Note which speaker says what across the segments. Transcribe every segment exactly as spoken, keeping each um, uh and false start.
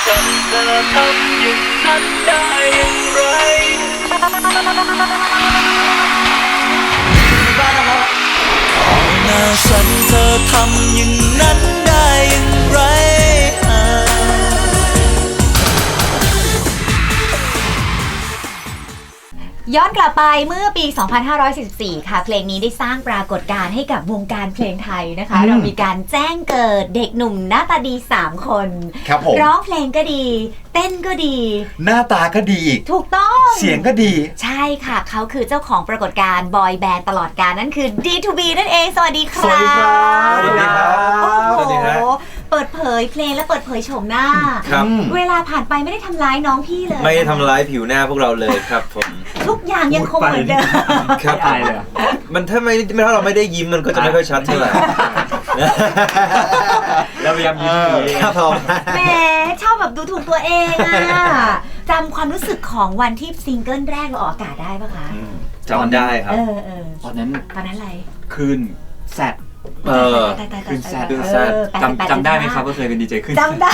Speaker 1: ฉันจะทำอย่างนั้นได้อย่างไรหน้าฉันเธอทำอย่างนั้นได้อย่างไร
Speaker 2: ย้อนกลับไปเมื่อปี สองพันห้าร้อยสี่สิบสี่ ค่ะเพลงนี้ได้สร้างปรากฏการณ์ให้กับวงการเพลงไทยนะคะเรามีการแจ้งเกิดเด็กหนุ่มหน้าตาดีสามคน
Speaker 3: ครับผม
Speaker 2: ร้องเพลงก็ดีเต้นก็ดี
Speaker 3: หน้าตาก็ดีอีก
Speaker 2: ถูกต้อง
Speaker 3: เสียงก็ดี
Speaker 2: ใช่ค่ะเขาคือเจ้าของปรากฏการณ์บอยแบนด์ตลอดกาลนั่นคือ ดี ทู บี นั่นเองสวัสดีครับ
Speaker 3: สวัสดีครับสวัสดีครับ
Speaker 2: โอ้โหเปิดเผยเพลงและเปิดเผยโฉมหน้า
Speaker 4: ครับ
Speaker 2: เวลาผ่านไปไม่ได้ทำร้ายน้องพี่เลย
Speaker 4: ไม่ได้ทำร้ายผิวหน้าพวกเราเลยครับผม
Speaker 2: ทุกอย่างยังคงเหมือนเดิม
Speaker 4: ครับใช่เลยมันถ้าไม่ถ้าเราไม่ได้ยิ้มมันก็จะไม่ค่อยชัดเท่าไหร่
Speaker 3: เราพยายามยิ้ม
Speaker 4: ครับผม
Speaker 2: แหมชอบแบบดูถูกตัวเองอะจำความรู้สึกของวันที่ซิงเกิลแรกเราออกอากาศได้ปะคะ
Speaker 4: จำได้ครับ
Speaker 2: ตอนนั้นตอนนั้นอะไร
Speaker 5: คืนแซด
Speaker 4: เออ
Speaker 5: คืนแซดจำจำได้ไหมครับว่าเคยเป็นดีเจขึ้น
Speaker 2: จำได้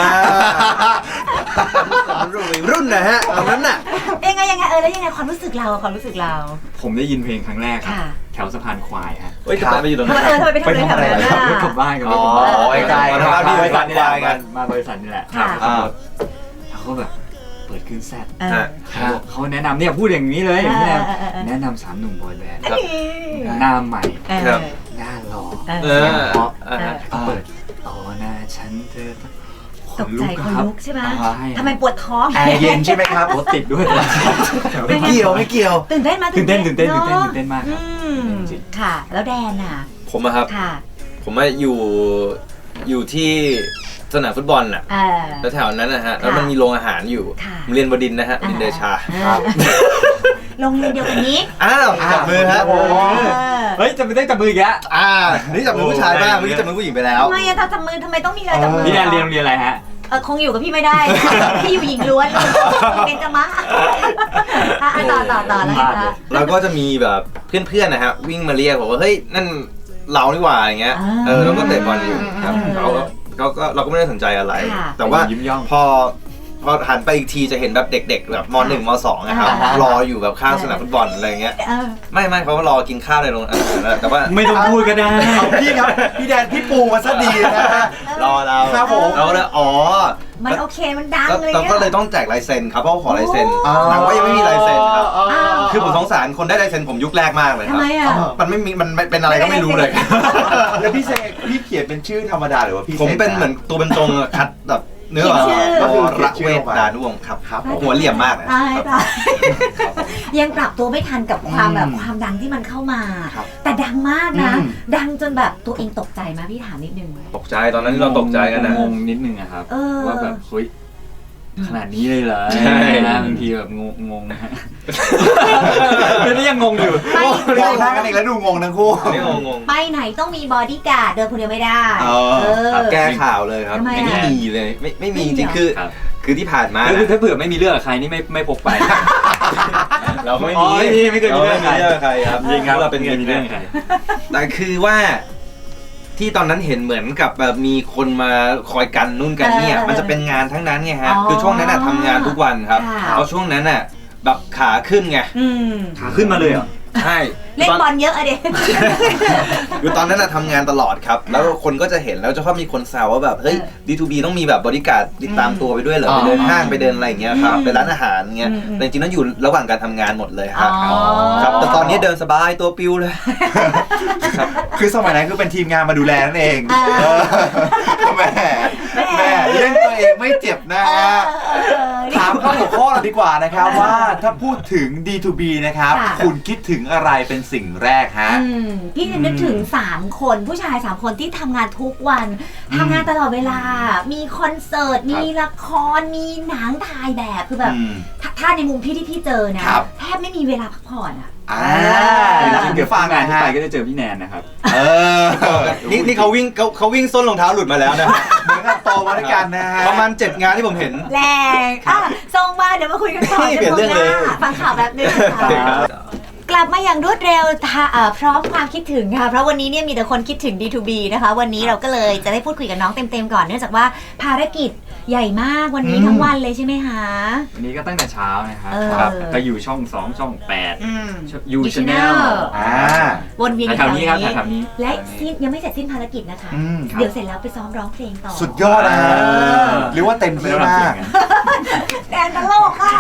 Speaker 4: รุ่นนะฮะตอนนั้นน่ะ
Speaker 2: ยังไงยังไงเออแล้วยังไงความรู้สึกเราความรู้สึกเรา
Speaker 5: ผมได้ยินเพลงครั้งแรกครับแถวสะพานควายฮะ
Speaker 4: เฮ้ยทำไมไปอยู่ตรงนั้น
Speaker 2: เออทำไมไปทำอะไรแถวนั้น
Speaker 5: ขับรถกลับบ้านกับรถ
Speaker 4: อ๋อไอ้ไกลมาที่บริษัทนี่แหละ
Speaker 5: มาบริษัทนี่แหละเขาแบบเปิดขึ้นแซดเขาแนะนำเนี่ยพูดอย่างนี้เลยแนะนำสามหนุ่มบอยแบนด์หน้าใหม่หน้าหล่อเสียงเพราะเปิดต่อหน้าฉันเธอ
Speaker 2: ตกใจคนลุกใช่ไหมทำไมปวดท้อง
Speaker 3: แอร์เย็นใช่ไหมครับ
Speaker 5: รถติดด้วย
Speaker 3: ไม่เกี่ยวไม่เกี่ยว
Speaker 2: ตื่นเต้นมา
Speaker 5: ตื่นเต้นตื่นเต้นตื่นเต้นตื่นเต้นมากครับ
Speaker 2: ค่ะแล้วแดนอ่ะ
Speaker 4: ผมอะครับผมว่าอยู่อยู่ที่สนามฟุตบอลน่ะแล้วแถวนั้นนะฮะแล้วมันมีโรงอาหารอยู่เรียนบดินนะฮะดินเดชา
Speaker 2: โรงเรียนเดียวกันนี้
Speaker 4: อ้าวจับมือครับ
Speaker 5: เฮ้ยจะไม่ได้จับมืออีกแล้ว
Speaker 4: อ่านี่จับมือผู้ชายบ้างเมื่อกี้จับมือผู้หญิงไปแล้ว
Speaker 2: ทำไมอะถ้าจับมือทำไมต้องมีอะไรจับมือ
Speaker 5: พี่แดนเรียนโรงเรียนอะไรฮะ
Speaker 2: เออคงอยู่กับพี่ไม่ได้พี่อยู่หญิงล้วนเป็นจมะต่อต่อต่อแล้วค่ะ
Speaker 4: แล้วก็จะมีแบบเพื่อนๆนะฮะวิ่งมาเรียกบอกว่าเฮ้ยนั่นเรานี่หว่าอย่างเงี้ยเออเราก็เตะบอลอยู่ครับเราก็เราก็ไม่ได้สนใจอะไรแต่ว่าพอพอหันไปอีกทีจะเห็นแบบเด็กๆแบบม.หนึ่ง ม.สอง นะครับรออยู่แบบข้างสนามฟุตบอลอะไรเงี้ยไม่ไม่เขารอกินข้าวในโรงอาหารแต่ว่า
Speaker 5: ไม่ต้องพูดก็ได้
Speaker 3: พี่ครับพี่แดนพี่ปูมาซะดีนะ
Speaker 4: รอเรา
Speaker 3: ครับผม
Speaker 4: เราเลยอ๋อ
Speaker 2: มันโอเคมันดังเลย
Speaker 4: เราก็เลยต้องแจกลายเซ็นครับเพราะขอลายเซ็นแต่ว่ายังไม่มีลายเซ็นครับคือผมสงสารคนได้ลายเซ็นผมยุคแรกมากเลยครับมันไม่มีมันเป็นอะไรก็ไม่รู้เลย
Speaker 3: แล้วพี่เซพี่เขียนเป็นชื่อธรรมดาหรือว่าพี่
Speaker 4: ผมเป็นเหมือนตัวเป็นตรงคัดแบบเนื้อก็คือรักเวทดานุวงศ์ครับครับหัวเหลี่ยมมากเลย
Speaker 2: ยังปรับตัวไม่ทันกับความแบบความดังที่มันเข้ามาแต่ดังมากนะดังจนแบบตัวเองตกใจไหมพี่ถามนิดนึง
Speaker 4: ตกใจตอนนั้นเราตกใจกันนะ
Speaker 5: งงนิดนึงอะครับว่าแบบเฮ้ยขนาดนี้เลยเหรอใช่บางทีแบบงงงงนะฮะแล้วนี่ยังงงอยู่
Speaker 3: มองหน้ากันอีกแล้วดูงงทั้งคู่
Speaker 4: นี่งงง
Speaker 2: ไปไหนต้องมีบอดี้การ์ดเดินคนเดียวไม่ได้
Speaker 4: แก้ข่าวเลยครับไม่มีเลยไม่ไม่มีจริงคือคือที่ผ่านมา
Speaker 5: คือถ้าเผื่อไม่มีเรื่องกับใครนี่ไม่ไม่พกไป
Speaker 4: เราไม่มี
Speaker 5: ไม่เคยมีเรื่องกับ
Speaker 4: ใครครับ
Speaker 5: จริงครับเราเป็นเมีเรื่องใคร
Speaker 4: แต่คือว่าที่ตอนนั้นเห็นเหมือนกับแบบมีคนมาคอยกันนู่นกันเนี่ยมันจะเป็นงานทั้งนั้นไงฮะคือช่วงนั้นน่ะทำงานทุกวันครับเพราะช่วงนั้นน่ะแบบขาขึ้นไง
Speaker 5: ขาขึ้นมาเลยเหรอ
Speaker 4: ใช่
Speaker 2: เล่นบอลเยอะอะเด็ก
Speaker 4: คือตอนนั้นน่ะทำงานตลอดครับแล้วคนก็จะเห็นแล้วจะชอบมีคนแซวว่าแบบเฮ้ย ดี ทู บี ต้องมีแบบบริการติดตามตัวไปด้วยเหรอไปเดินห้างไปเดินอะไรอย่างเงี้ยครับไปร้านอาหารเงี้ยแต่จริงๆแล้วอยู่ระหว่างการทำงานหมดเลยครับครับแต่ตอนนี้เดินสบายตัวปิวเลย
Speaker 3: คือสมัยนั้นคือเป็นทีมงานมาดูแลนั่นเองแม่แม่เล่นตัวเองไม่เจ็บนะฮะถามข้อหัวข้อเราดีกว่านะครับว่าถ้าพูดถึง ดี ทู บี นะครับคุณคิดถึงอะไรเป็นสิ่งแรกฮะ
Speaker 2: พี่นึกถึงสามคนผู้ชายสามคนที่ทำงานทุกวันทำงานตลอดเวลามีคอนเสิร์ตมีละครมีหนังถ่ายแบบคือแบบถ้าในมุมพี่ที่พี่เจอนะแทบไม่มีเวลาพักผ่อนอ่ะ
Speaker 5: อ่าเกือบฟังงานที่ไปก็จะเจอพี่แนนนะครับ
Speaker 4: เออนี่นี่เขาวิ่งเขาเขาวิ่งส้นรองเท้าหลุดมาแล้วนะ
Speaker 3: เหมือนกับโตมาด้วยกันนะฮะ
Speaker 4: ประมาณเจ็ดงานที่ผมเห็น
Speaker 2: แรงอ่ะส่งมาเดี๋ยวมาคุยกันต่อ
Speaker 4: เปลี่ยนเรื่องเลย
Speaker 2: ฟังข่าวแบบนึงกลับมาอย่างรวดเร็วพร้อมความคิดถึงค่ะเพราะวันนี้เนี่ยมีแต่คนคิดถึง ดี ทู บี นะคะวันนี้เราก็เลยจะได้พูดคุยกับน้องเต็มๆก่อนเนื่องจากว่าภารกิจใหญ่มากวันนี้ทั้งวันเลยใช่ไหมคะ
Speaker 5: วันนี้ก็ตั้งแต่เช้านะครับ
Speaker 2: เออ
Speaker 5: ครับก็อยู่ช่องสองช่องแปด
Speaker 2: อืม
Speaker 5: ยูชาแนล
Speaker 3: อ่า
Speaker 2: วนเวียนอยู่
Speaker 5: แถวนี้ครับแถวนี้
Speaker 2: และสิ้นยังไม่เสร็จสิ้นภารกิจนะคะ
Speaker 3: อืม
Speaker 2: เดี๋ยวเสร็จแล้วไปซ้อมร้องเพลงต่อ
Speaker 3: สุดยอดนะฮะ
Speaker 2: เออ
Speaker 3: หรือว่าเต็มที่มาก
Speaker 2: แดนตลกค่ะ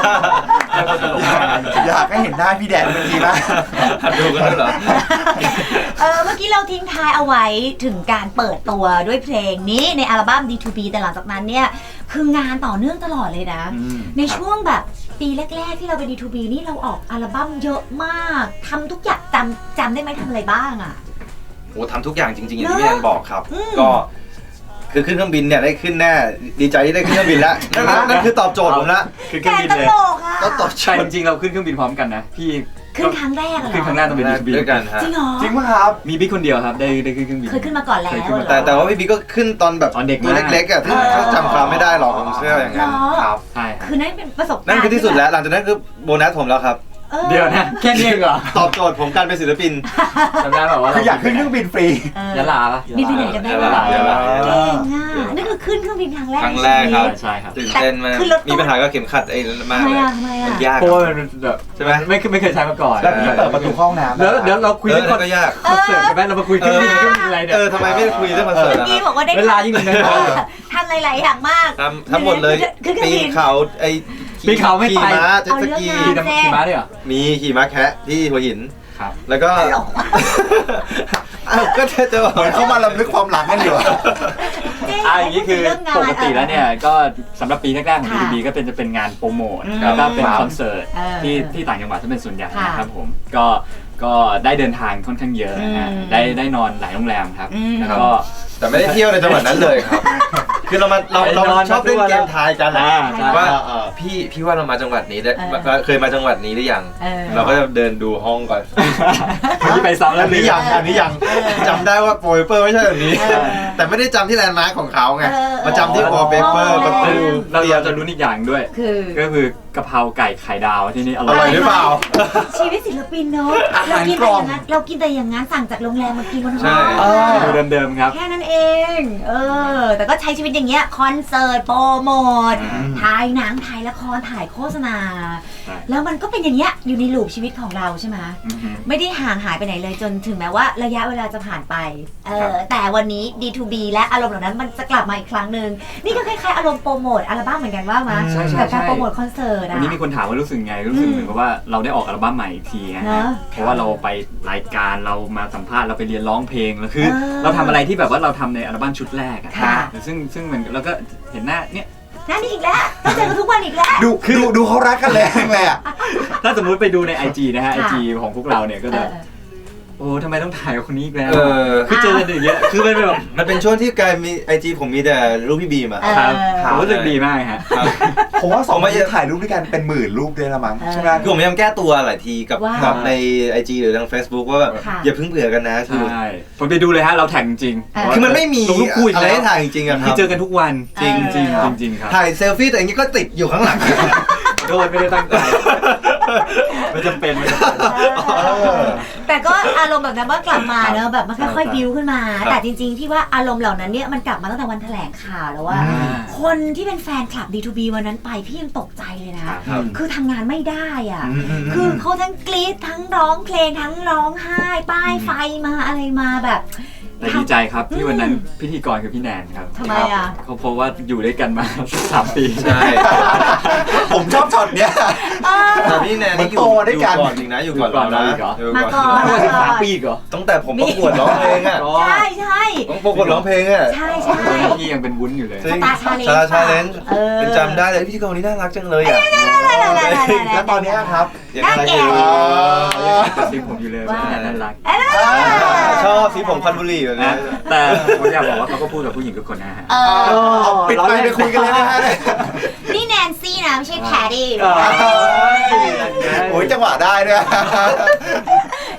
Speaker 3: อยากให้เห็นหน้าพี่แดนเมื่อกี้มาก
Speaker 4: ดูกันด้วยเหรอ
Speaker 2: เออเมื่อกี้เราทิ้งท้ายเอาไว้ถึงการเปิดตัวด้วยเพลงนี้ในอัลบั้ม ดี ทู บี แต่หลังจากนั้นเนี่ยคืองานต่อเนื่องตลอดเลยนะ
Speaker 3: อืม
Speaker 2: ในช่วงแบบปีแรกๆที่เราเป็น ดี ทู บี นี่เราออกอัลบั้มเยอะมากทำทุกอย่างจำจำได้ไหมทำอะไรบ้างอ่ะ
Speaker 4: โอ้ทำทุกอย่างจริงๆอย่างที่พี่แอนบอกครับ
Speaker 2: อืม
Speaker 4: ก็คือขึ้นเครื่องบินเนี่ยได้ขึ้นแน่ดีใจที่ได้ขึ้นเครื่องบินแล้วนั่นนั่นคือตอบโจทย์ผมละ
Speaker 5: คือเค
Speaker 2: แด
Speaker 5: รื่อง
Speaker 2: น
Speaker 5: บิน
Speaker 2: ต
Speaker 5: เลย
Speaker 2: ลกอ่ะ
Speaker 4: ก็ตอบโจ
Speaker 5: ใช่
Speaker 4: ท
Speaker 5: จ
Speaker 4: ย์
Speaker 5: ริงๆเราขึ้นเครื่องบินพร้อมกันนะพี่
Speaker 2: ขึ้นครั้งแรกเหรอ
Speaker 5: ขึ้นครั้งแรกต้องเป็นเครื่องบิน
Speaker 4: ด้วยกันฮะ
Speaker 2: จริงเหรอ
Speaker 3: จริงป่ะครับ
Speaker 5: มีบิ๊กคนเดียวครับได้ได้ขึ้นเครื่องบิน
Speaker 2: เคยขึ้นมาก่อนแล้ว
Speaker 5: เคยขึ้นมา
Speaker 2: เหรอ
Speaker 4: แต่แต่ว่าพี่บิ๊กก็ขึ้นตอนแบบ
Speaker 5: ตอนเด็ก
Speaker 4: ตัว
Speaker 5: มาก
Speaker 4: เล็กๆอ่ะที่
Speaker 2: เออ
Speaker 4: เขาจำความไม่ได้หรอกผมเชื่ออย่างนั้น
Speaker 2: เหรอ
Speaker 4: ครับ
Speaker 5: ใช่ครับ
Speaker 2: คือนั่นเป็นประสบการณ์
Speaker 4: นั่นคือที่สุดแล้วหลังจากนั้นคือโบนัสผมแล้วครับ
Speaker 2: ออ
Speaker 5: เดี๋ยวนะแค่นี้เองเหรอ
Speaker 4: ตอบโจทย์ผมการเป็นศิลปิน
Speaker 5: จำได้แบบว่า
Speaker 3: คืออยากขึ้นเครื่องบินฟรี
Speaker 2: เออย
Speaker 5: ะลาปะ
Speaker 2: บินไปไหนกันได้
Speaker 4: ยะ
Speaker 2: บ้า
Speaker 4: ลาง ยะลา
Speaker 2: เก่งอ่ะนั่นคือขึ้นเครื่องบินครั้งแรก
Speaker 4: ครั้งแรกครับ
Speaker 2: ในชีวิต
Speaker 5: ใช่ครับ
Speaker 4: ตื่นเต้นมาก
Speaker 2: ขึ้นรถตู้
Speaker 4: มีปัญหากับเข็มขัดไอ้นั่นมาก
Speaker 2: ทำไม
Speaker 4: เลย
Speaker 2: อ่ะทำไมอ่ะ
Speaker 4: มันยาก
Speaker 5: เพราะว่ามันแบบ
Speaker 4: ใช่ไหม
Speaker 5: ไม่ไม่เคยใช้มาก่อน
Speaker 3: แล้วพี่เปิดประตูห้องน้ำ
Speaker 5: เดี๋ยวเดี๋ยวเราคุย
Speaker 4: เออ
Speaker 5: เรื่องค
Speaker 4: นั่
Speaker 5: อน
Speaker 4: นก็ยาก
Speaker 5: คอนเสิร์ตกันไหมเรามาคุยเครื่องบินเครื่องบินอะไรเนี่ย
Speaker 4: เออทำไมไม่คุยเรื่องคอนเสิร์ต
Speaker 2: เมื่อ
Speaker 4: นะ
Speaker 2: กี้บอกว่าได้
Speaker 5: เวลายิ่งเหลือน้อย
Speaker 2: ทำหลายๆอย่างมาก
Speaker 4: ทำทั้งหมดเลย
Speaker 2: ขึ้นเครื่
Speaker 4: ปี
Speaker 2: องบิ
Speaker 4: น
Speaker 2: น
Speaker 4: เขาไอ้
Speaker 5: ปีนเขาไม่ไป
Speaker 4: ขี่ม้าเจ็ตสกี
Speaker 2: เอา
Speaker 5: ขี่
Speaker 2: เรื่อง
Speaker 5: น้ำ
Speaker 2: งาน
Speaker 5: ขี่ม้าด้วยเหรอ
Speaker 4: มีขี่ม้าแคะที่หัวหิน
Speaker 5: ครับ
Speaker 4: แล้วก็
Speaker 2: ตลกว่ะ
Speaker 4: อ้าวก็จะจะบอก
Speaker 3: เหมือนเข้ามาลำลึกความหลังกันอยู่อะ
Speaker 2: เจ๊
Speaker 5: อ่าอย่างนี้คือ
Speaker 2: เรื่งงาน
Speaker 5: ปกติแล้วเนี่ยก็สำหรับปีแรกๆของ
Speaker 2: ค่ะ
Speaker 5: ดี บี ก็เป็นจะเป็นงานโปรโมท
Speaker 2: อืม
Speaker 5: แล้วก็เป็น
Speaker 3: ครับ
Speaker 5: คอนเสิร์ต
Speaker 2: เออ
Speaker 5: ที่ที่ต่างจังหวัดจะเป็นส่วนใหญ่
Speaker 2: ค่ะ
Speaker 5: นะครับผมก็ก็ได้เดินทางค่อนข้างเยอะนะฮะ
Speaker 2: อืม
Speaker 5: ได้ได้นอนหลายโรงแรมครับ
Speaker 2: อืม
Speaker 5: แล้วก็
Speaker 4: แต่ไม่ได้เที่ยวในจังหวัดนั้นเลยครับ คือเรามาเราเรา
Speaker 5: ไปนอน
Speaker 4: ชอบเล่นเกมทายกัน
Speaker 5: อ่าใช่
Speaker 4: ว่า
Speaker 3: เออ
Speaker 4: พี่พี่ว่าเรามาจังหวัดนี้ได้
Speaker 2: เออ
Speaker 4: เคยมาจังหวัดนี้หรือยัง
Speaker 2: เออ
Speaker 4: เราก็จะเดินดูห้องก่อน
Speaker 5: วันนี้ไปซ้ำแล้
Speaker 3: อั
Speaker 5: วน
Speaker 3: นี้ยังอันนี้ยัง
Speaker 4: จำได้ว่าโปรเปอร์ไม่ใช่แบบนี้
Speaker 2: เออ
Speaker 4: แต่ไม่ได้จำที่แลนด์มาร์คของเขาไง
Speaker 2: เออ
Speaker 4: มาจำที่วอลเปเปอร์
Speaker 2: เออ
Speaker 4: ประตู
Speaker 5: เราเราจะรู้อีกอย่างด้วย
Speaker 2: คือ
Speaker 5: ก็คือกะเพราไก่ไข่ดาวที่นี่อ
Speaker 4: อ
Speaker 5: ร่
Speaker 4: ร่
Speaker 5: อ
Speaker 4: อย ยหรือเปล่า
Speaker 2: ชีวิตศิลปินเนอะ
Speaker 3: อา
Speaker 2: เรา
Speaker 3: หาร
Speaker 2: กิน
Speaker 3: ก
Speaker 2: แต่
Speaker 3: ล่
Speaker 2: อ
Speaker 3: อง
Speaker 2: ย่างนั้นเรากินแต่อย่างนั้นสั่งจากโรงแรมมากินบนห้
Speaker 4: ใช่
Speaker 2: อง
Speaker 3: เออ
Speaker 5: ดูเดิมๆครับ
Speaker 2: แค่นั้นเอง เออ แต่ก็ใช้ชีวิตอย่างเงี้ยคอนเสิร์ตโปรโมท
Speaker 5: อืม
Speaker 2: ถ่ายหนังถ่ายละครถ่ายโฆษณา
Speaker 5: ใช่
Speaker 2: แล้วมันก็เป็นอย่างเงี้ยอยู่ในลูปชีวิตของเราใช่ไหม
Speaker 5: อือฮึ
Speaker 2: ไม่ได้ห่างหายไปไหนเลยจนถึงแม้ว่าระยะเวลาจะผ่านไป เอ
Speaker 5: ครั
Speaker 2: อบ แต่วันนี้ ดี ทู บี และอารมณ์เหล่านั้นมันจะกลับมาอีกครั้งหนึ่งนี่ก็คล้ายๆอารมณ์โปรโมทอัลบั้มเหมือนกันว่ามา
Speaker 5: ใช่ใช่
Speaker 2: กับการ
Speaker 5: ใช่
Speaker 2: โปรโมทคอนเสิร์ต
Speaker 5: วั
Speaker 2: อะ
Speaker 5: นนี้มีคนถามว่ารู้สึกไง รู้สึก
Speaker 2: อืม
Speaker 5: เหมือนกับว่าเราได้ออกอัลบั้มใหม่อีกทีนะ
Speaker 2: เน
Speaker 5: ฮะ
Speaker 2: อะ
Speaker 5: เพราะว่าเราไปรายการเรามาสัมภาษณ์เราไปเรียนร้องเพลงแล้วคือ
Speaker 2: เออ
Speaker 5: เราทำอะไรที่แบบว่าเราทำในอัลบั้มชุดแรกอะ
Speaker 2: ค่ะ
Speaker 5: ซึ่งซึ่งมันเราก็เห็นหน้าเนี่ย
Speaker 2: นั่นนี่อีกแล้วต้องเจอกันทุกวันอีกแล้ว
Speaker 3: ดูดูดูเขารักกันเลยเลยอ่ะ
Speaker 5: ถ้าสมมุติไปดูใน ไอ จี นะฮะ ไอ
Speaker 2: ค่ะ
Speaker 5: จี ของพวกเราเนี่ยก็
Speaker 2: เอ
Speaker 5: จะ
Speaker 2: อ
Speaker 5: โอ้ทำไมต้องถ่ายกับคนนี้อีกแล้ว
Speaker 4: เออ
Speaker 5: คือเจอกันอย่างเงี้ยคือมันเป็นแบบ
Speaker 4: มันเป็นช่วงที่กลายมีไอจีผมมีแต่รูปพี่บีมอะ
Speaker 2: เออ
Speaker 5: ครับ
Speaker 3: ครับ
Speaker 5: ผมรู้สึกดีมากฮะ
Speaker 4: ครับ
Speaker 3: ผมว่าสอง
Speaker 4: ผม
Speaker 3: ค
Speaker 4: ว่าน
Speaker 3: นี้ถ่ายรูปด้วยกันเป็นหมื่นรูปด้วยละมั้ง
Speaker 2: เออ
Speaker 3: ใช่ไหม
Speaker 4: คือผมพยายามแก้ตัวหลายทีกับ
Speaker 2: ว่า
Speaker 4: กับใน ไอ จี หรือทาง Facebook ว่าแบบ
Speaker 2: ค่ะ
Speaker 4: อย่าเพิ่งเบื่อกันนะคือ
Speaker 5: ใช่ผมไปดูเลยฮะ เราแท็กจริง
Speaker 2: เออ
Speaker 4: คือมันไม่มี
Speaker 5: ลงรูปคู่อีก
Speaker 4: อะไร
Speaker 5: แล้ว
Speaker 4: ให้ถ่ายจริงๆอะค
Speaker 5: ที่
Speaker 4: รับ
Speaker 5: เจอกันทุกวัน
Speaker 2: จริง
Speaker 5: จริง
Speaker 2: เออ
Speaker 5: จริงครับ
Speaker 4: ถ่ายเซลฟี่แต่อย่างนี้ก็ติดอยู่ข้างหลัง
Speaker 5: โดนไม่ได้ตั้งใจไม่จำเป็นไม่จำเป็น
Speaker 2: เออแต่ก็อารมณ์แบบนั้นว่ากลับมาเนอะแบบมันค่อย
Speaker 5: ใช่
Speaker 2: ๆบิวขึ้นมา
Speaker 4: ครับ
Speaker 2: แต่จริงๆที่ว่าอารมณ์เหล่านั้นเนี่ยมันกลับมาตั้งแต่วันแถลงข่าวแล้วว่า
Speaker 3: อืม
Speaker 2: คนที่เป็นแฟนคลับ ดี ทู บี วันนั้นไปพี่ยังตกใจเลยนะ
Speaker 5: ครับ
Speaker 3: ครับ
Speaker 2: คือทำงานไม่ได้อ่ะ
Speaker 3: อืมอืมอืม
Speaker 2: คือเขาทั้งกรี๊ดทั้งร้องเพลงทั้งร้องไห้ ป้ายไฟมาอะไรมาแบบ
Speaker 5: แต่ดีใจครับที่วันนั้นพิธีกรคือพี่แนนครับ
Speaker 2: ทำไมอ่ะ
Speaker 5: เขาเพราะว่าอยู่ด้วยกันมา สามปี
Speaker 4: ใช่
Speaker 3: ผมชอบช็อตเนี้ย
Speaker 2: เออ
Speaker 4: แต่พี่แนนนี่อยู่
Speaker 3: มันโตด้วยกัน
Speaker 4: อยู่ก่อนจริงนะอยู่ก่อน
Speaker 5: อยู่ก่อน
Speaker 4: เรา
Speaker 5: เราอี
Speaker 4: นะ
Speaker 5: กเหรอ
Speaker 4: อยู่
Speaker 2: มาก่อน
Speaker 5: ว่าสิบสามปีอีกเหรอ
Speaker 4: ตั้งแต่ผมประกวดร้องเพลงอะ
Speaker 2: ใช่ใช่
Speaker 4: ต้องประกวดร้องเพลงอะ
Speaker 2: ใช่ใช่
Speaker 5: ตอนนั้นพี่ยังเป็นวุ้นอยู่เลย
Speaker 4: จริง
Speaker 2: Star Challenge
Speaker 4: ชาชาเลนจ์
Speaker 2: เออ
Speaker 4: เป็นจำได้เลยพิธีกรคนนี้น่ารักจังเลยอะ
Speaker 3: แล้วตอนเนี้ยครับ
Speaker 4: ยังอะไรอยู่
Speaker 3: อ๋อ
Speaker 5: กระซิบผมอยู่เลยว่าน่ารัก
Speaker 2: เอ้ย
Speaker 4: ชอบสีผมควันบุหรี่แบบนี้
Speaker 5: นะแต่ผมอยากบอกว่าเขาก็พูดกับผู้หญิงทุกคนนะฮะ
Speaker 2: เออ
Speaker 3: เอาปิดไปไปคุยกันเลยนะฮะ
Speaker 2: นี่แนนซี่นะไม่ใช่แพดดี้
Speaker 5: เออ
Speaker 3: โอ้ยจังหวะได้ด้วย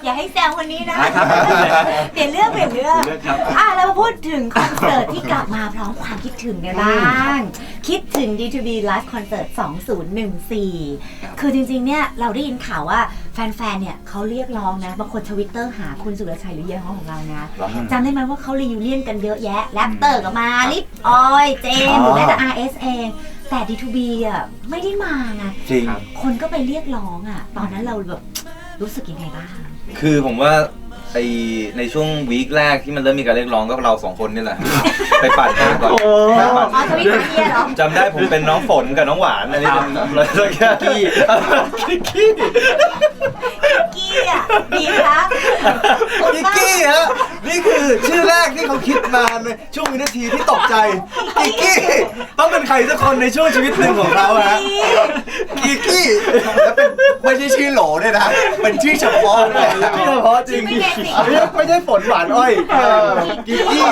Speaker 2: อย่าให้แซวคนนี้นะเปลี่ยนเรื่องเปลี่ยนเรื่องอ่ะแล้วมาพูดถึงคอนเสิร์ตที่กลับมาพร้อมความคิดถึงกันบ้างคิดถึง ดี ทู บี Live Concert สองพันสิบสี่คือจริงๆเนี่ยเราได้ยินข่าวว่าแฟนๆเนี่ยเขาเรียกร้องนะบางคนทวิตเตอร์หาคุณสุรชัยหรือเยี่ยห้องของเรานะจำได้ไหมว่าเขารีวิวเลียนกันเยอะแยะแรปเตอร์ก็มาลิปออยเจมหรือแม้แต่ อาร์ เอส เองแต่ ดี ทู บี อ่ะไม่ได้มาไง
Speaker 3: จริง
Speaker 2: คนก็ไปเรียกร้องอ่ะตอนนั้นเราแบบรู้สึกยังไงบ้าง
Speaker 4: คือผมว่าไอในช่วงวีคแรกที่มันเริ่มมีการเรียกร้องก็เราสองคนนี่แหละ ไปปั่นกันก่อนไปปั่น
Speaker 2: อ๋อทวิตเตอร์เหรอ
Speaker 4: จำได้ผมเป็นน้องฝนกับน้องหวานอันนี้เป็นอะไรสักอย่างกี้กิกกี้
Speaker 2: กี้อ่ะดีครับ
Speaker 4: กิกกี้ฮะนี่คือชื่อแรกที่เขาคิดมาในช่วงวินาทีที่ตกใจกิกกี้ต้องเป็นใครสักคนในช่วงชีวิตหนึ่งของเขาฮะกิกกี้
Speaker 3: แล้วเป็นไม่ใช่ชื่อโหลด้วยนะ เป็นชื่อเฉพาะเลย
Speaker 4: ไม่เฉพาะจริง
Speaker 2: ไม่ได้สิ
Speaker 4: ไม่ใช่ฝนหวานอ้อยกิกกี้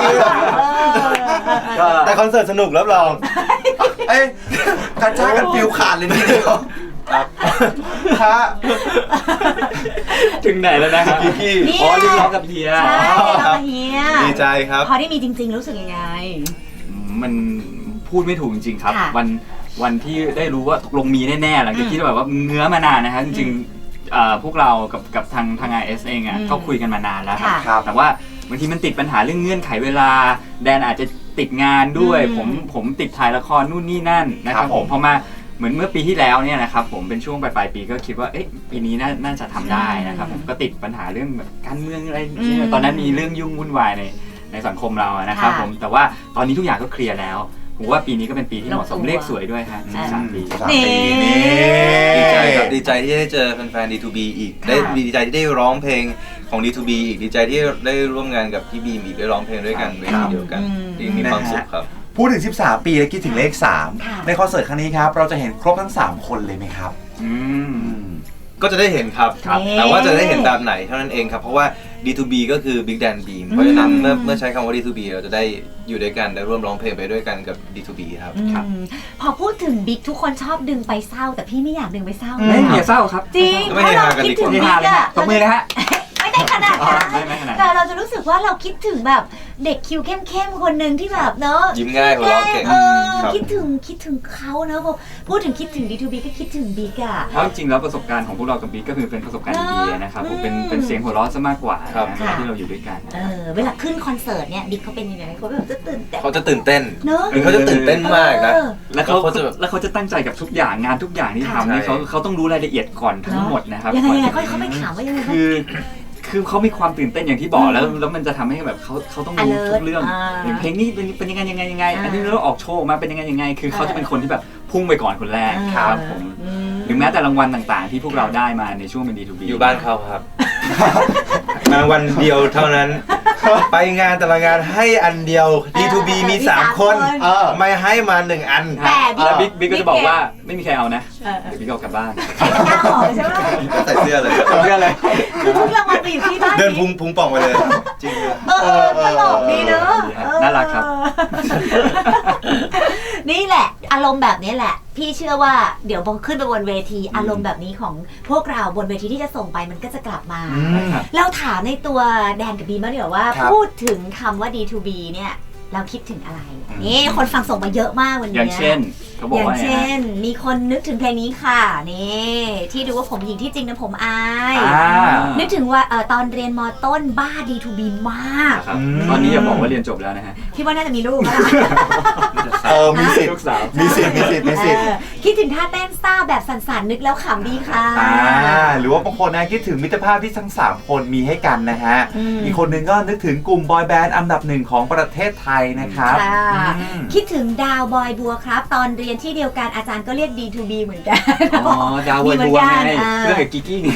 Speaker 4: แต่คอนเสิร์ตสนุกรับรอง
Speaker 3: เอ้ยกระชากกันฟิวขาดเลยทีเดียว
Speaker 4: ครับ
Speaker 3: ฮะ
Speaker 5: ถึงไหนแล้วนะครับ
Speaker 4: กิกกี้
Speaker 2: นี่
Speaker 5: อ๋อเรียกร้องกับเฮีย
Speaker 2: ใช่เราเฮีย
Speaker 4: ดีใจครับ
Speaker 2: พอได้มีจริงๆรู้สึกยังไง
Speaker 5: มันพูดไม่ถูกจริงๆครับ
Speaker 2: ค่ะ
Speaker 5: วันวันที่ได้รู้ว่าตกลงมีแน่ๆหลังจากที่แบบว่าเงื้อมานานนะครับจริงๆเอ่อพวกเรากับกับทางทาง อาร์ เอส เองอ่ะ
Speaker 2: อืม
Speaker 5: ก็คุยกันมานานแล้วครับ
Speaker 2: ค่ะ
Speaker 5: แต่ว่าบางทีมันติดปัญหาเรื่องเงื่อนไขเวลาแดนอาจจะติดงานด้วย
Speaker 2: อืม
Speaker 5: ผมผมติดถ่ายละครนู่นนี่นั่นนะครับผมพอมาเหมือนเมื่อปีที่แล้วเนี่ยนะครับผมเป็นช่วงปลายๆปีก็คิดว่าเอ๊ะปีนี้น่าน่าจะทำได้นะครับผมก็ติดปัญหาเรื่องแบบการเมืองอะไร
Speaker 2: อืม
Speaker 5: ตอนนั้นมีเรื่องยุ่งวุ่นวายในในสังคมเราอะนะครับ
Speaker 2: ค่ะ
Speaker 5: ผมแต่ว่าตอนนี้ทุกอย่างก็เคลียร์แล้วผมว่าปีนี้ก็เป็นปีที่เหมาะสม
Speaker 2: ลงตัว
Speaker 5: เลขสวยด้วยฮะสิบสามปี
Speaker 3: สามปี
Speaker 2: นี่
Speaker 4: ดีใจครับดีใจที่ได้เจอแฟนๆ ดี ทู บี อีกได้
Speaker 2: ค่ะ
Speaker 4: ดีใจที่ได้ร้องเพลงของ ดี ทู บี อีกดีใจที่ได้ร่วมงานกับพี่บีมอีกได้ร้องเพลงด้วยกันเวทีเดียวกัน
Speaker 2: อืม
Speaker 4: ที่มีความสุขครับ
Speaker 3: พูดถึงสิบสามปีแล้วคิดถึงเลขสาม
Speaker 2: ค่ะ
Speaker 3: ในคอนเสิร์ตครั้งนี้ครับ เราจะเห็นครบทั้งสามคนเลยไหมครับ
Speaker 5: อืม
Speaker 3: อืม
Speaker 4: ก็จะได้เห็นครับ
Speaker 2: ครับ
Speaker 4: แต่ว่าจะได้เห็นแบบไหนเท่านั้นเองครับ เพราะว่า ดี ทู บี ก็คือ Big Dan Beam เพราะฉะนั้นเมื่อเมื่อใช้คำว่า ดี ทู บี เราจะได้อยู่ด้วยกันได้ร่วมร้องเพลงไปด้วยกันกับ ดี ทู บี ครับ
Speaker 2: อืมพอพูดถึงบิ๊กทุกคนชอบดึงไปเศร้า แต่พี่ไม่อยากดึงไปเศร้า
Speaker 5: เล่นอย่าเศร้าครับ
Speaker 2: จริง
Speaker 4: ไม่
Speaker 2: เพราะเรา
Speaker 4: ให้หากัน
Speaker 2: คิด
Speaker 4: ดีก
Speaker 2: ถึง
Speaker 4: ว่า
Speaker 2: บิ๊กอะ
Speaker 5: ตบมือเลยฮะ
Speaker 2: ไม่ได้ขนาดนั้น
Speaker 5: ไม่ไม่ขนาดนั้น
Speaker 2: แต่เราจะรู้สึกว่าเราคิดถึงแบบเด็กคิวเข้มๆคนหนึ่งที่แบบเนอะ
Speaker 4: ยิ้มง่ายหัวเราะเก่ง
Speaker 2: เออ
Speaker 4: ครับ
Speaker 2: คิดถึงคิดถึงเขาเนอะพอพูดถึงคิดถึง ดี ทู บี ก็คิดถึงบิ๊กอะ
Speaker 5: เพราะจริงๆแล้วประสบการณ์ของพวกเรากับบิ๊กก็คือเป็นประสบการณ์ดีๆนะครับผมเป็น
Speaker 2: อืม
Speaker 5: เป็นเสียงหัวเราะซะมากกว่า
Speaker 4: ครับ
Speaker 5: นะ
Speaker 2: ค่ะ
Speaker 5: ที่เราอยู่ด้วยกัน
Speaker 2: เออเวลาขึ้นคอนเสิร์ตเนี่ยบิ๊กเขาเป็นยังไงเขาแบบจะตื่นเต้น
Speaker 4: เขาจะตื่นเต้น
Speaker 2: เนอะ
Speaker 4: คือเขาจะตื่นเต้นมากนะ
Speaker 2: เออ
Speaker 5: แล้วเขา
Speaker 4: แล้วเขาจะแบบ
Speaker 5: แล้วเขาจะตั้งใจกับทุกอย่างงานทุกอย่างที่
Speaker 2: ค่ะ
Speaker 5: ทำนี่
Speaker 4: ใช่
Speaker 5: เขาเขาต้องรู้รายละเอียดก่อนทั้งหมดนะครับ
Speaker 2: ยังไงยังไง
Speaker 5: ก่อน
Speaker 2: เขาเขาไม่ถามว่ายังไง
Speaker 5: คือ คือเขามีความตื่นเต้นอย่างที่บอกแล้วแล้วมันจะทำให้แบบเขาเขาต้องรู้
Speaker 2: alert
Speaker 5: ทุกเรื่อง
Speaker 2: อ่า
Speaker 5: อย่างเพลงนี้เป็นเป็นยังไงยังไงยังไง
Speaker 2: อ่า
Speaker 5: อันนี้เราออกโชว์มาเป็นยังไงยังไง คือเขาจะเป็นคนที่แบบพุ่งไปก่อนคนแรก
Speaker 2: อ่า
Speaker 5: ครับผม
Speaker 2: อืม
Speaker 5: หรือแม้แต่รางวัลต่างๆ ที่พวกเราได้มาในช่วงเป็น ดี ทู บี
Speaker 4: อยู่บ้านเขาครับ มาวันเดียวเท่านั้น ไปงานแต่ละงานให้อันเดียว ดี ทู บี มีสามคน
Speaker 3: เออ
Speaker 4: ไม่ให้มาหนึ่งอัน
Speaker 2: แต่บิ๊ก
Speaker 5: แล้วบิ๊กบิ๊กก็จะบอกว่าไม่มีใครเอานะ
Speaker 2: เออ
Speaker 5: เดี๋ยวบิ๊กเอากลับบ้าน
Speaker 2: ใส่หน้าหอใช่ไหม
Speaker 4: ใส่เสื้อเลย
Speaker 5: เรื่องอะไร
Speaker 2: คือทุกรางวัลไปอยู่ที่บ้าน
Speaker 4: เดินพุ
Speaker 2: บิ๊
Speaker 4: ง
Speaker 2: ก
Speaker 4: พุงป่องไปเลย จริงเลย
Speaker 2: เออเออตลกดีเนอะ
Speaker 5: เออน่ารักครับ
Speaker 2: นี่แหละ อารมณ์แบบนี้แหละ พี่เชื่อว่าเดี๋ยวพอขึ้นไปบนเวทีอารมณ์แบบนี้ของพวกเราบนเวทีที่จะส่งไปมันก็จะกลับมา
Speaker 3: อืม
Speaker 2: เราถามในตัวแดนกับบีมางดีกว่าว่า
Speaker 3: ครับ
Speaker 2: พูดถึงคำว่า ดี ทู บี เนี่ย เราคิดถึงอะไร นี่คนฟังส่งมาเยอะมากวันนี้
Speaker 5: อย่างเช่นเขาบอก
Speaker 2: อย่าง
Speaker 5: ว่าไง
Speaker 2: เช่น
Speaker 5: ฮะ
Speaker 2: มีคนนึกถึงเพลงนี้ค่ะ นี่ที่ดูว่าผมหญิงที่จริงนะผมอาย
Speaker 5: อ่า
Speaker 2: นึกถึงว่าเออตอนเรียนมต้นบ้า ดี ทู บี มาก
Speaker 5: ครับ
Speaker 3: อืม
Speaker 5: ตอนนี้อย่าบอกว่าเรียนจบแล้วนะฮะ
Speaker 2: พี่ว่าน่าจะมีลูกแล้วล่ะ
Speaker 3: เออ มีสิทธิ์
Speaker 5: ลูกสาว
Speaker 3: มีสิทธิ์ มีสิทธิ์ มีสิทธิ์
Speaker 2: เออคิดถึงท่าเต้นซ่าแบบสั่นๆนึกแล้วขำดีค่ะ
Speaker 3: อ่า หรือว่าบางคนนะคิดถึงมิตรภาพที่ทั้งสามคนมีให้กันนะฮะ
Speaker 2: อืม
Speaker 3: อีกคนหนึงก็นึกถึงกลุ่มบอยแบนด์อันดับหนึ่งของประเทศไทยนะครับ
Speaker 2: ค่ะ
Speaker 3: อืม
Speaker 2: คิดถึงดาวบอยบัวครับ ตอนเรียนที่เดียวกันอาจารย์ก็เรียก ดี ทู บี เหมือนกัน
Speaker 5: อ๋อดาววยบัวไง
Speaker 2: มีเหมือนกัน
Speaker 5: เรื่องกับกิกกี้ไง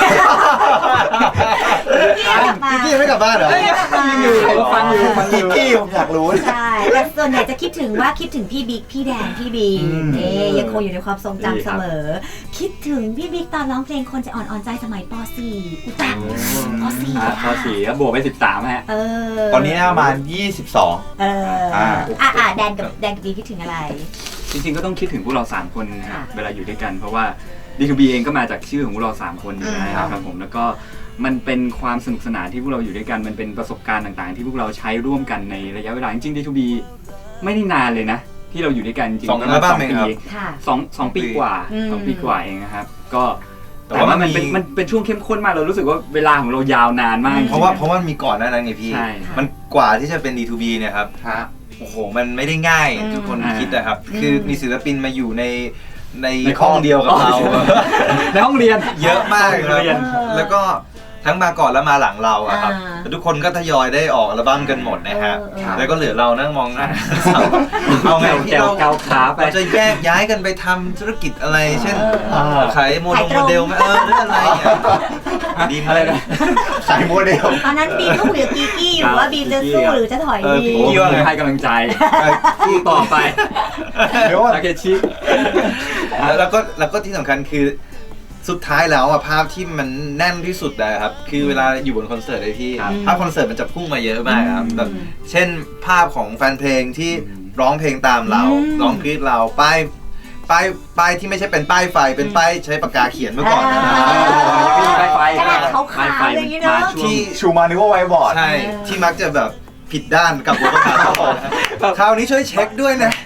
Speaker 2: พี่กลับมา
Speaker 4: พี่ไม่กลับบ้านเหรอ
Speaker 2: พี่กลับมา
Speaker 5: ฟังอยู่ฟังอยู่
Speaker 3: กิกกี้ผมอยากรู้
Speaker 2: ใช่แต่ส่วนใหญ่จะคิดถึงว่าคิดถึงพี่บิ๊กพี่แดนพี่บี
Speaker 3: อืม
Speaker 2: เอ๊ยยังคงอยู่ในความทรง
Speaker 5: ดี
Speaker 2: จำ
Speaker 5: ค
Speaker 2: เส
Speaker 5: รับ
Speaker 2: มอ คิดถึงพี่บิ๊กตอนร้องเพลงคนจะอ่อนอ่อนใจสมัยป .สี่ อุยจังป .สี่
Speaker 5: อ่าพอสี่ก็บวกไปสิบสามฮะ
Speaker 2: เออ
Speaker 3: ตอนนี้น่าประมาณยี่สิบสอง
Speaker 2: เอออ่า
Speaker 3: อ่า
Speaker 2: อ่าแดนกับแดนกับบีคิดถึงอะไร
Speaker 5: จริงๆก็ต้องคิดถึงพวกเราสามคนนะครั
Speaker 2: ค่ะ
Speaker 5: บเวลาอยู่ด้วยกันเพราะว่า ดี ทู บี เองก็มาจากชื่อของพวกเราสามคนอยู่แล้ว
Speaker 3: ครับ
Speaker 5: ครับผมแล้วก็มันเป็นความสนุกสนานที่พวกเราอยู่ด้วยกันมันเป็นประสบการณ์ต่างๆ ที่พวกเราใช้ร่วมกันในระยะเวลาจริงๆ ดี ทู บี ไม่ได้นานเลยนะที่เราอยู่ด้วยกันจริงๆ
Speaker 4: สองอัลบั้มเองครับ
Speaker 2: ค่ะ
Speaker 5: สองสองปีกว่า
Speaker 2: อืม
Speaker 5: สองปีกว่าเองนะครับก็
Speaker 4: แต่
Speaker 5: แต่
Speaker 4: ว่า
Speaker 5: ว่ามัน
Speaker 4: มี
Speaker 5: เป็นมันเป็นช่วงเข้มข้นมากเรารู้สึกว่าเวลาของเรายาวนานมากจงๆ
Speaker 4: เพราะว่าเพราะว่ามีก่อนหน้านั้นไงพี่
Speaker 5: ใช่
Speaker 4: มันกว่าที่จะเป็น ดี ทู บี เนี่ยครับ
Speaker 3: ฮะ
Speaker 4: โอ้โห มันไม่ได้ง่าย
Speaker 2: อืม
Speaker 4: ทุกคน
Speaker 5: อ่า
Speaker 4: คิดนะครับ
Speaker 2: อืม
Speaker 4: คือมีศิลปินมาอยู่ในใน
Speaker 5: ใน
Speaker 4: ห้องเดียวกับ
Speaker 5: ห้
Speaker 4: เรา
Speaker 5: อง ในห้องเรียน
Speaker 4: เยอะมาก
Speaker 5: ห้อง
Speaker 4: ครับ
Speaker 5: เรียน
Speaker 4: แล้วก็ทั้งมาก่อนแล้วมาหลังเราอะครับ
Speaker 2: อ่า
Speaker 4: แต่ทุกคนก็ทยอยได้ออกอัลบั้มกันหมดนะฮะ
Speaker 2: เออเออ
Speaker 4: แล้วก็เหลือเรานั่งมองหน้าเอาไงที่
Speaker 5: แกว
Speaker 4: เรา
Speaker 5: เกาขาไป
Speaker 4: เราจะแยกย้ายกันไปทำธุรกิจอะไร เช่น
Speaker 2: เออ
Speaker 3: เออ
Speaker 4: ขายโม
Speaker 2: ขาย
Speaker 4: โน
Speaker 2: ต
Speaker 4: โม
Speaker 2: รง
Speaker 4: เดลไหมเออหรืออะไรอ่ะดีไหม
Speaker 5: อะไรนะ
Speaker 3: สายโมเดล
Speaker 2: ตอนนั้นบีมก็คุยกับกีกี้อยู่ว่าบีมจะสู้หรือจะถอย
Speaker 4: เออ
Speaker 2: ดี
Speaker 4: ผม
Speaker 5: พี่ว่าให้กำลังใจสู้ต่อไป
Speaker 3: เดี๋ยวก่อน
Speaker 5: ทาเคชิ
Speaker 4: แล้วแล้วก็แล้วก็ที่สำคัญคือสุดท้ายแล้วอะภาพที่มันแน่นที่สุดเลยครับคือเวลาอยู่บนคอนเสิร์ตเลยพี่
Speaker 5: ครับ
Speaker 4: ภาพคอนเสิร์ตมันจะพุ่งมาเยอะมากครับ
Speaker 2: อืม
Speaker 4: แบบเช่นภาพของแฟนเพลงที่
Speaker 5: อืม
Speaker 4: ร้องเพลงตามเรา
Speaker 2: อืม
Speaker 4: ร้องกรีดเราป้ายป้ายป้ายที่ไม่ใช่เป็นป้ายไฟเป็นป้ายใช้ปากกาเขียนเมื่อก่อนนะ
Speaker 2: อ่า
Speaker 5: ไฟไฟ
Speaker 2: กระดาษขาวๆ
Speaker 5: ไฟ
Speaker 2: อะไรอย่างงี้เนอะ
Speaker 5: มาช่วง
Speaker 4: ที่
Speaker 3: ชูมานึกว่าไวบอร์ด
Speaker 4: ใช่
Speaker 2: เออ
Speaker 4: ที่มักจะแบบผิดด้านกับหัวกระดาษครับผมคราวนี้ช่วยเช็คด้วยนะ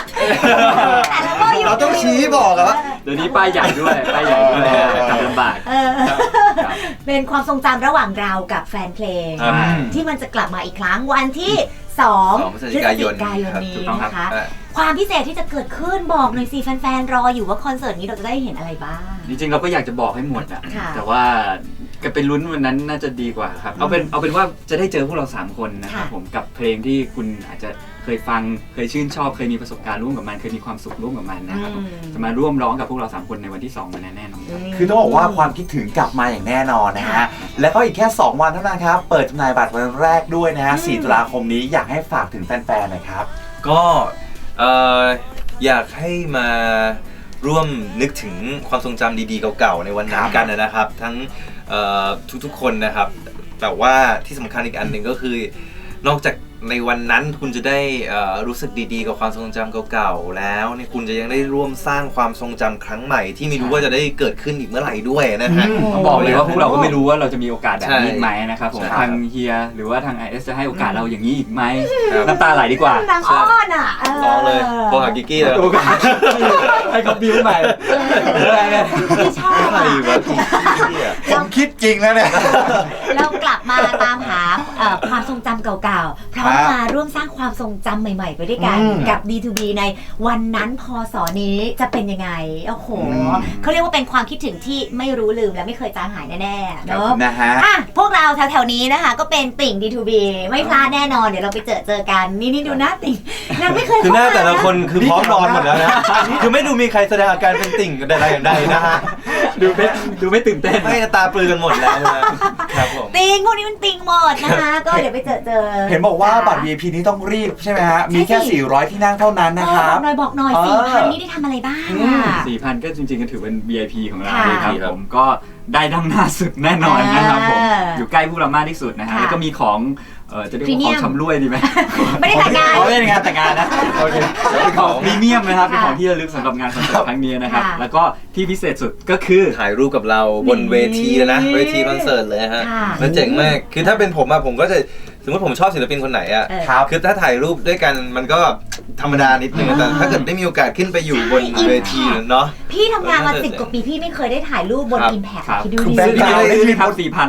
Speaker 4: เราต้องชี้บอกอะว่า
Speaker 5: เดี๋ยวนี้ป้ายใหญ่ด้วยป้ายใหญ่ด้วยจำลำบาก
Speaker 2: เออเป็นความทรงจำระหว่างเรากับแฟนเพลง
Speaker 4: ครับ
Speaker 2: ที่มันจะกลับมาอีกครั้งวันที่สอง
Speaker 4: สองพฤศจิกายน
Speaker 2: พฤศจิกายนนี้
Speaker 5: ครับ
Speaker 2: นะคะ
Speaker 4: อ่ะ
Speaker 2: ความพิเศษที่จะเกิดขึ้นบอกหน่อยสิแฟนๆรออยู่ว่าคอนเสิร์ตนี้เราจะได้เห็นอะไรบ้าง
Speaker 5: จริงๆเราก็อยากจะบอกให้หมดอะ
Speaker 2: ค่ะ
Speaker 5: แต่ว่าก็เป็นลุ้นวันนั้นน่าจะดีกว่าครับเอาเป็นเอาเป็นว่าจะได้เจอพวกเราสามคนนะครับ
Speaker 2: ค่ะ
Speaker 5: ผมกับเพลงที่คุณอาจจะเคยฟังเคยชื่นชอบเคยมีประสบการณ์ร่วมกับมันเคยมีความสุขร่วมกับมันนะครับผม
Speaker 2: อืม
Speaker 5: จะมาร่วมร้องกับพวกเราสามคนในวันที่สองมันแน่นอนครับ
Speaker 3: คือต้องบอกว่าความคิดถึงกลับมาอย่างแน่นอนนะฮะ แล้วก็อีกแค่ สอง วันเท่านั้นครับ เปิดจำหน่ายบัตรวันแรกด้วยนะฮะ
Speaker 2: อืม
Speaker 3: สี่ ตุลาคมนี้อยากให้ฝากถึงแฟนๆหน่อยครับ
Speaker 4: ก็เอ่ออยากให้มาร่วมนึกถึงความทรงจำดีๆเก่าๆในวันนั้นกันนะครับ ทั้งเอ่อทุกๆคนนะครับ แต่ว่าที่สำคัญอีกอันหนึ่งก็คือนอกจากในวันนั้นคุณจะได้เอ่อรู้สึกดีๆกับความทรงจำเก่าๆแล้วเนี่ยคุณจะยังได้ร่วมสร้างความทรงจำครั้งใหม่ที่ไม่รู้ว่าจะได้เกิดขึ้นอีกเมื่อไหร่ด้วยนะฮะ
Speaker 3: อืม
Speaker 5: ต้องบอกเลยว่าพวกเราก็ไม่รู้ว่าเราจะมีโอกาสแบบนี้
Speaker 4: ใช่
Speaker 5: ไหมนะครับผม
Speaker 4: ใช่
Speaker 5: ทางเฮียหรือว่าทาง ไอ เอส จะให้โอกาสเราอย่างนี้อีกไหม
Speaker 4: ครับ
Speaker 5: น้ำตาไหลดีกว่า
Speaker 2: นางอ้อนอ่ะเ
Speaker 4: ลองเลยโทรหากิกกี้เลย
Speaker 5: โอกาสให้เขาบิ้วใหม่อะไรเนี่ย
Speaker 2: พี่ชอบ
Speaker 4: ใคร
Speaker 2: อ่ะ
Speaker 4: วะกิกกี้อ่ะ
Speaker 3: ผมคิดจริงแล้วเนี่ย
Speaker 2: เรากลับมาตามหาเอ่อความทรงจำเก่าๆพร้อมมาร่วมสร้างความทรงจำใหม่ๆ ไปด้วยกัน
Speaker 3: อืม
Speaker 2: กับ ดี ทู บี ในวันนั้นพศนี้จะเป็นยังไงโอ้โห
Speaker 3: อืม
Speaker 2: เขาเรียกว่าเป็นความคิดถึงที่ไม่รู้ลืมและไม่เคยจางหายแน่ๆเนอะ
Speaker 3: นะฮะ
Speaker 2: อ่ะพวกเราแถวๆนี้นะคะ ก็เป็นติ่ง ดี ทู บี ไม่พลาดแน่นอนเดี๋ยวเราไปเจอเจอกันนี่นี่ดูหน้าติ่งนางไม่เคย
Speaker 4: คือหน้าแต่ละ
Speaker 2: เข้ม
Speaker 4: คนคือพร้อมนอนหมดแล้วนะ คือไม่ดูมีใครแสดงอาการเป็นติ่งกันใดๆอย่างใดนะฮะ
Speaker 5: ดูไม่ดูไม่ตื่นเต้น
Speaker 4: ไม่ตาปลือกันหมดแล้วนะครับผม
Speaker 2: ติ่งพวกนี้มันติ่งหมดนะคะ ก็เดี๋ยวไปเจอเจอ
Speaker 3: เห็นบอกว่าบัตร วี ไอ พี นี้ต้องรีบใช่ไหมฮะ มีแค่
Speaker 2: ใช่สิ
Speaker 3: สี่ร้อย ที่นั่งเท่านั้นนะ
Speaker 2: เอ
Speaker 3: ค
Speaker 2: อ
Speaker 3: รั
Speaker 2: บบ อกหน่อยบอกหน่อย
Speaker 3: เออ
Speaker 2: สี่พันนี่ได้ทำอะไรบ้าง
Speaker 3: อื
Speaker 2: อ่ะ
Speaker 3: ม
Speaker 5: สี่พันก็จริงๆก็ถือเป็น วี ไอ พี ของเรา
Speaker 2: ค่ะ
Speaker 5: เลยครับผมก็ได้ดังหน้าสุดแน่นอนนะครับผม
Speaker 2: เออ
Speaker 5: อยู่ใกล้พวกเรามากที่สุดนะฮะ
Speaker 2: ค่ะ
Speaker 5: แล้วก็มีของเออจะเรียกว่าของ
Speaker 2: Premium
Speaker 5: ชำร่วยดีไหม
Speaker 2: ไม่ได้แต่งงาน
Speaker 5: อ๋อไม่ได้งานแต่งงานนะโอเคเป็นของพรีเมียมนะครับเป็นของที่ระลึกสำหรับงานคอนเสิร์ตครั้งนี้นะครับ
Speaker 2: ค่ะ
Speaker 5: แล้วก็ที่พิเศษสุดก็คือ
Speaker 4: ถ่ายรูปกับเราบนเวทีแล้วนะ เวทีคอนเสิร์ตเลยฮะ
Speaker 2: ค่ะ
Speaker 4: แล้วเจ๋งมาก คือถ้าเป็นผมอะผมก็จะสมมติผมชอบศิลปินคนไหนอะ
Speaker 2: เออ
Speaker 3: ครับ
Speaker 4: คือถ้าถ่ายรูปด้วยกันมันก็ธรรมดานิดนึงแต่ถ้าเกิดได้มีโอกาสขึ้นไปอยู่บน
Speaker 2: ใช่
Speaker 4: เวทีเนาะ
Speaker 2: พี่ทำงานมา
Speaker 4: เออ
Speaker 2: สิบกว่าปีพี่ไม่เคยได้ถ่ายรูปบน
Speaker 4: ครับ
Speaker 2: อิมแพค
Speaker 5: ครับ
Speaker 2: คิดดู
Speaker 3: คือ
Speaker 2: ดิ
Speaker 3: แบงค์
Speaker 5: ซื้อ
Speaker 3: เก่า
Speaker 5: ได้เลยครับสี่พัน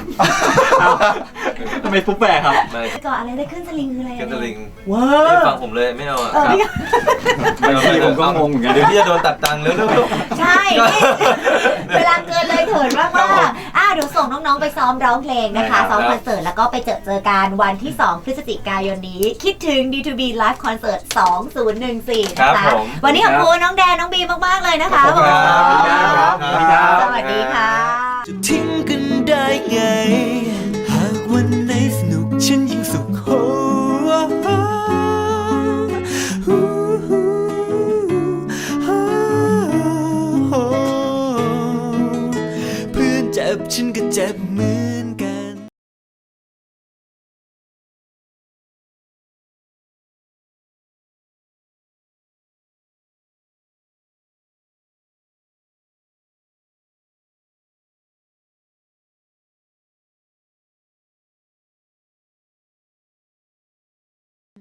Speaker 5: ทำไมฟุ๊บแปะครับ
Speaker 4: ไม่
Speaker 2: ก่อนอะไรได้ขึ้นสลิงคืออะไร
Speaker 4: กันสลิง
Speaker 2: ว้า
Speaker 4: ไม่
Speaker 2: ว
Speaker 4: ฟังผมเลยไม่เอาอะ
Speaker 2: เออพี่
Speaker 5: บางทีผมก็งงเหมือนกัน
Speaker 4: เดี๋ยวพี่จะโดนตัดตังค์เร็ว
Speaker 2: ใช่นี่เวลาเกินเลยเถิดมากมากๆอ่ะเดี๋ยวส่งน้องๆไปซ้อมร้องเพลงนะคะ ซ้อมคอนเสิร์ตแล้วก็ไปเจอเจอกันวันที่สองพฤศจิกายนนี้ คิดถึง ดี ทู บี Live Concert สองพันสิบสี่
Speaker 4: ครั
Speaker 2: นะ
Speaker 4: บ
Speaker 2: คะ
Speaker 4: ผม
Speaker 2: วันนี้ขอบคุณน้องแดนน้องบีมากๆเลยนะคะ
Speaker 4: ขอบคุณครับ
Speaker 2: สวัสดีครับ
Speaker 4: ครับ
Speaker 2: สวัสดีค่ะ
Speaker 1: จะทิ้งกันได้ไง หากวันไหนสนุกฉันยิ่งสุขโหเพื่อนเจ็บฉันก็เจ็บเหมือน